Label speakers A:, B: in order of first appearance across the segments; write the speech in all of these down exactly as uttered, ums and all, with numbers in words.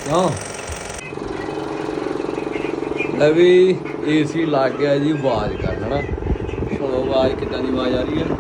A: ਕਿਉਂ ਲੈ ਵੀ ਏਸੀ ਲੱਗ ਗਿਆ ਜੀ ਆਵਾਜ਼ ਕਰ ਹਨਾ ਸੁਣੋ ਆਵਾਜ਼ ਕਿੱਦਾਂ ਦੀ ਆਵਾਜ਼ ਆ ਰਹੀ ਹੈ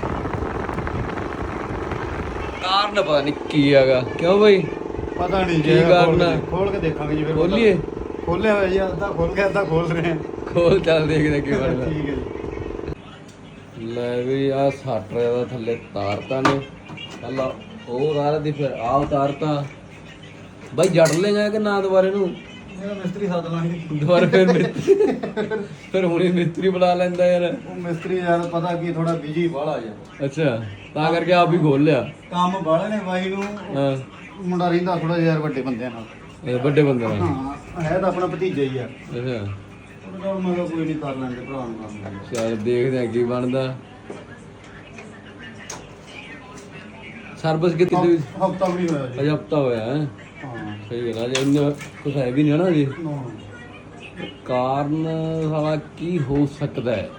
A: ਕਾਰਨ ਪਤਾ ਨਹੀਂ ਕੀ ਹੈਗਾ ਕਿਉਂ ਬਈ
B: ਪਤਾ ਨਹੀਂ
A: ਕੀ ਕਰਨਾ
B: ਖੋਲ ਕੇ ਦੇਖਾਂਗੇ ਜੀ ਫਿਰ
A: ਖੋਲੀਏ
B: ਖੋਲਿਆ ਹੋਇਆ ਜੀ ਅੱਧਾ ਖੋਲ ਕੇ ਅੱਧਾ ਖੋਲ ਰਹੇ ਹਾਂ
A: ਖੋਲ ਚੱਲ ਦੇਖਦੇ ਕੀ ਬਣਦਾ
B: ਠੀਕ ਹੈ ਜੀ
A: ਲੈ ਵੀ ਆ ਸੱਟ ਦਾ ਥੱਲੇ ਤਾਰਤਾ ਨੇ ਪਹਿਲਾਂ ਉਹ ਤਾਰ ਦੀ ਫਿਰ ਆਹ ਉਤਾਰਤਾ ਬਾਈ ਜੜ ਲੇਗਾ ਕਿ ਨਾ ਦੁਬਾਰੇ ਨੂੰ
B: ਮੇਰਾ ਮਿਸਤਰੀ ਸੱਦ ਲਾਂਗੇ
A: ਦੁਬਾਰਾ ਫਿਰ ਮਿਸਤਰੀ ਫਿਰ ਹੁਣੇ ਮਿਸਤਰੀ ਬੁਲਾ ਲੈਂਦਾ ਯਾਰ
B: ਉਹ ਮਿਸਤਰੀ ਯਾਰ ਪਤਾ ਕੀ ਥੋੜਾ ਬਿਜੀ ਬਾਹਲਾ ਜਾ
A: ਅੱਛਾ ਤਾਂ ਕਰਕੇ ਆਪ ਹੀ ਖੋਲ ਲਿਆ
B: ਕੰਮ ਬਾਹਲੇ ਨੇ ਬਾਈ ਨੂੰ
A: ਹਾਂ
B: ਮੁੰਡਾ ਰਹਿੰਦਾ ਥੋੜਾ ਯਾਰ ਵੱਡੇ ਬੰਦਿਆਂ ਨਾਲ
A: ਇਹ ਵੱਡੇ ਬੰਦੇ ਨਾਲ
B: ਹਾਂ ਹੈ ਤਾਂ ਆਪਣਾ ਭਤੀਜਾ ਹੀ ਆ
A: ਅੱਛਾ
B: ਉਹਦੇ ਨਾਲ ਮੈਂ ਕਿਹਾ ਕੋਈ ਨਹੀਂ ਕਰ ਲੈਂਦੇ ਭਰਾ ਨੂੰ ਕੰਮ
A: ਚੱਲ ਦੇਖਦੇ ਆ ਕੀ ਬਣਦਾ ਸਰਵਿਸ ਕਿਤੇ
B: ਹਫਤਾ ਵੀ ਨਹੀਂ ਹੋਇਆ ਜੀ
A: ਅਜੇ ਹਫਤਾ ਹੋਇਆ ਹੈ
B: ਹਾਂ
A: ਸਹੀ ਗੱਲ ਆ ਜੇ ਇੰਨਾ ਕੁਛ ਹੈ ਵੀ ਨਹੀਂ ਨਾ ਜੀ
B: ਨਾ
A: ਕਾਰਨ ਸਾਲਾ ਕੀ ਹੋ ਸਕਦਾ ਹੈ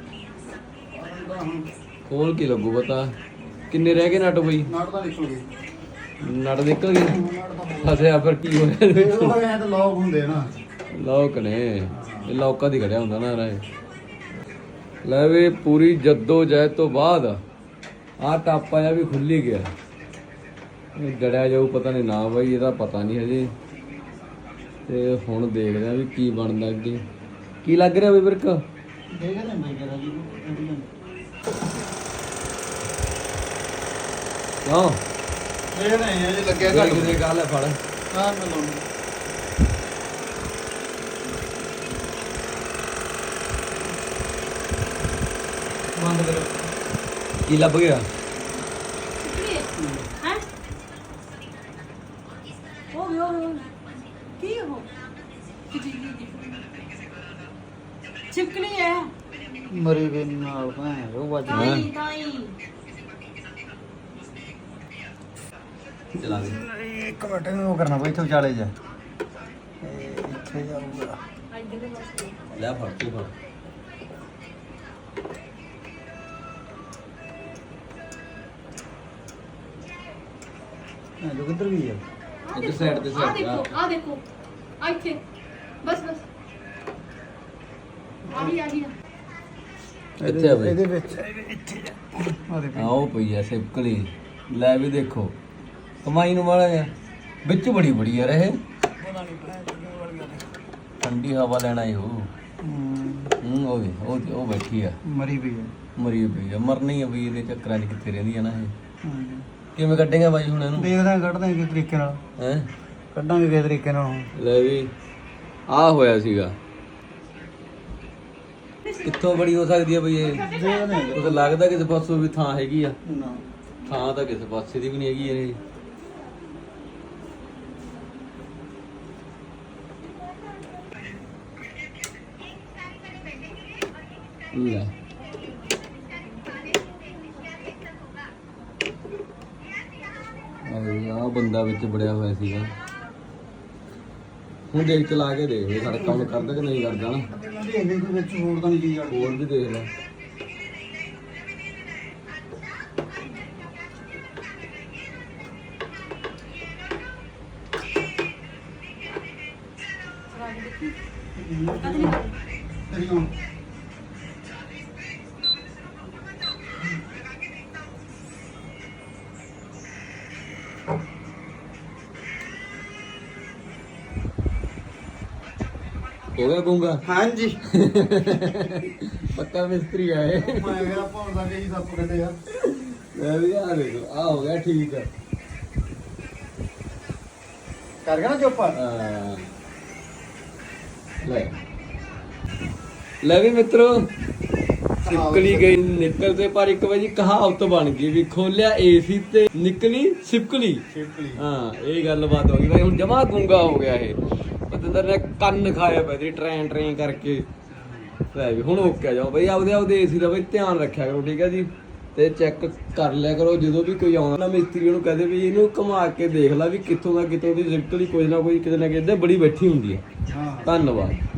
A: ਖੋਲ ਕੇ ਲੱਗੂ ਪਤਾ ਕਿੰਨੇ ਰਹਿ ਗਏ ਨਟ ਬਈ
B: ਨਾਟ ਤਾਂ ਨਿਕਲ ਗਈ
A: ਨਟ ਨਿਕਲ ਗਏ ਫਸਿਆ ਫਿਰ ਕੀ ਹੋਇਆ
B: ਫਿਰ ਉਹ ਐ ਤਾਂ ਲੋਕ ਹੁੰਦੇ ਨਾ
A: ਲੋਕ ਨੇ ਇਹ ਲੋਕਾਂ ਦੀ ਘੜਿਆ ਹੁੰਦਾ ਨਾ ਰਾਏ ਲੈ ਵੀ ਪੂਰੀ ਜੱਦੋ ਜਹਿਦ ਤੋਂ ਬਾਅਦ ਆਹ ਟਾਪਾ ਜਿਹਾ ਵੀ ਖੁੱਲ ਹੀ ਗਿਆ ਇਹ ਜੜਿਆ ਜਾਊ ਪਤਾ ਨਹੀਂ ਨਾ ਬਾਈ ਇਹਦਾ ਪਤਾ ਨਹੀਂ ਹਜੇ ਤੇ ਹੁਣ ਦੇਖਦੇ ਆ ਵੀ ਕੀ ਬਣਦਾ ਅੱਗੇ ਕੀ ਲੱਗ ਰਿਹਾ ਬਈ ਬਿਰਕ
B: ਦੇਖਦੇ ਮੈਂ ਕਰਾਂ ਜੀ
A: ਕਿਉਂ
B: ਇਹ ਨਹੀਂ ਹੈ ਜੀ ਲੱਗਿਆ
A: ਗੱਲ ਕਿਤੇ ਗੱਲ ਹੈ ਫੜ
B: ਹਾਂ ਮੈਂ ਲਾਉਣਾ ਬੰਦ ਕਰੋ
A: ਕੀ ਲੱਭ ਗਿਆ
C: ਹੈ ਉਹ ਵੀ ਉਹ ਵੀ ਕੀ ਹੋ ਚਿਪਕਣੀ ਹੈ
B: ਮਰੀ ਵੀ ਨਾਲ ਭੈਣ ਉਹ ਵੱਜ
C: ਤਾਈ ਤਾਈ
A: ਚਲਾ ਦੇ
B: ਇੱਕ ਮਿੰਟ ਉਹ ਕਰਨਾ ਬਈ ਇੱਥੇ ਵਿਚਾਲੇ ਜਾ ਇਹ ਇੱਥੇ ਜਾਊਗਾ
A: ਲੈ ਫੜ ਤੂੰ ਫੜ
B: ਇਹ ਜੋ ਕਿੱਧਰ ਗਈ ਆ
A: ਇੱਕ ਸਾਈਡ ਤੇ
C: ਆ
A: ਸਾਈਡ
C: ਦੇਖੋ ਆ ਦੇਖੋ ਆ ਇੱਥੇ ਬਸ ਬਸ ਆ ਗਈ ਆ ਗਈ
A: ਇੱਥੇ ਆ ਬਈ
B: ਇਹਦੇ ਵਿੱਚ ਇੱਥੇ ਆ ਦੇ
A: ਆਓ ਪਈ ਐ ਸਿਪਕਲੀ ਲੈ ਵੀ ਦੇਖੋ ਕਮਾਈ ਨੂੰ ਵਾਲਾ ਆ ਵਿੱਚ ਬੜੀ ਬੜੀ ਯਾਰ ਇਹ
B: ਪਤਾ ਨਹੀਂ ਭੈਣ ਕਿੰਨੇ ਵੜ ਗਿਆ
A: ਠੰਡੀ ਹਵਾ ਲੈਣਾ ਹੀ ਹੋ
B: ਹੂੰ
A: ਹੂੰ ਉਹ ਵੀ ਉਹ ਉਹ ਬੈਠੀ ਆ
B: ਮਰੀ ਵੀ ਆ
A: ਮਰੀ ਪਈ ਆ ਮਰਨੀ ਆ ਬਈ ਇਹਦੇ ਚੱਕਰਾਂ 'ਚ ਕਿੱਥੇ ਰਹਿੰਦੀ ਆ ਨਾ ਇਹ
B: ਹੂੰ
A: ਕਿਵੇਂ ਕੱਢੇਗਾ ਬਾਈ ਹੁਣ ਇਹਨੂੰ
B: ਦੇਖਦੇ ਆਂ ਕੱਢਦੇ ਆਂ ਕਿਸ ਤਰੀਕੇ ਨਾਲ
A: ਹੈ
B: ਕੱਢਾਂਗੇ ਕਿਸ ਤਰੀਕੇ ਨਾਲ ਹੁਣ
A: ਲੈ ਵੀ ਆ ਹੋਇਆ ਸੀਗਾ ਕਿੱਥੋਂ ਬੜੀ ਹੋ ਸਕਦੀ ਆ ਬਈ ਇਹ
B: ਦੇਖਦੇ ਆਂ
A: ਉਹ ਤਾਂ ਲੱਗਦਾ ਕਿਸੇ ਪਾਸੋਂ ਵੀ ਥਾਂ ਹੈਗੀ ਆ
B: ਨਾ
A: ਥਾਂ ਤਾਂ ਕਿਸੇ ਪਾਸੇ ਦੀ ਵੀ ਨਹੀਂ ਹੈਗੀ ਇਹ ਲੈ ਆ ਬੰਦਾ ਵਿੱਚ ਬੜਿਆ ਹੋਇਆ ਸੀਗਾ ਹੁਣ ਦੇਖ ਚਲਾ ਕੇ ਦੇਖ ਇਹ ਸਾਡਾ ਕੰਮ ਕਰਦਾ ਕਿ ਨਹੀਂ ਕਰਦਾ ਨਾ
B: ਇਹਦੇ ਦੇ ਵਿੱਚ ਹੋਰ ਤਾਂ ਨਹੀਂ ਚੀਜ਼ ਅੜ
A: ਹੋਰ ਵੀ ਦੇਖ ਲੈ
B: ਤੇਰੀ ਹੁਣ
A: ਹੋ ਗਿਆ ਗੂੰਗਾ
B: ਹਾਂਜੀ
A: ਪੱਕਾ ਮਿਸਤਰੀ ਆਏ
B: ਮੈਂ ਕਿਹਾ ਭੌਂਦਾ ਕਿ ਜੀ ਸੱਪ ਕੱਢੇ ਯਾਰ
A: ਮੈਂ ਵੀ ਆ ਦੇਖੋ ਆ ਹੋ ਗਿਆ ਠੀਕ ਆ
B: ਕਰ ਗਿਆ ਨਾ ਚੁੱਪ
A: ਹਾਂ। ਲੈ ਲੈ ਵੀ ਮਿੱਤਰੋ ਸਿਪਕਲੀ ਗਈ ਨਿਕਲ ਤੇ ਪਰ ਇੱਕ ਵਾਰੀ ਕਹਾਵਤ ਬਣ ਗਈ ਵੀ ਖੋਲਿਆ ਏਸੀ ਤੇ ਨਿਕਲੀ ਸਿਪਕਲੀ
B: ਛਿਪਕਲੀ
A: ਹਾਂ ਇਹ ਗੱਲਬਾਤ ਹੋ ਗਈ ਭਾਈ ਹੁਣ ਜਮਾ ਗੁੰਗਾ ਹੋ ਗਿਆ ਇਹ ਪਤੰਦਰ ਨੇ ਕੰਨ ਖਾਇਆ ਪਿਆ ਤੇਰੀ ਟ੍ਰੇਨ ਟ੍ਰੇਨ ਕਰਕੇ ਲੈ ਵੀ ਹੁਣ ਓਕੇ ਜਾਓ ਬਈ ਆਪਦੇ ਆਪਦੇ ਏਸੀ ਦਾ ਬਈ ਧਿਆਨ ਰੱਖਿਆ ਕਰੋ ਠੀਕ ਹੈ ਜੀ ਤੇ ਚੈੱਕ ਕਰ ਲਿਆ ਕਰੋ ਜਦੋਂ ਵੀ ਕੋਈ ਆਉਂਦਾ ਨਾ ਮਿਸਤਰੀ ਨੂੰ ਕਹਦੇ ਵੀ ਇਹਨੂੰ ਘੁਮਾ ਕੇ ਦੇਖ ਲੈ ਵੀ ਕਿੱਥੋਂ ਦਾ ਕਿਤੋਂ ਦੀ ਸਿਪਕਲੀ ਕੋਈ ਨਾ ਕੋਈ ਕਿਤੇ ਨਾ ਕਿਤੇ ਬੜੀ ਬੈਠੀ ਹੁੰਦੀ ਹੈ
B: ਹਾਂ
A: ਧੰਨਵਾਦ।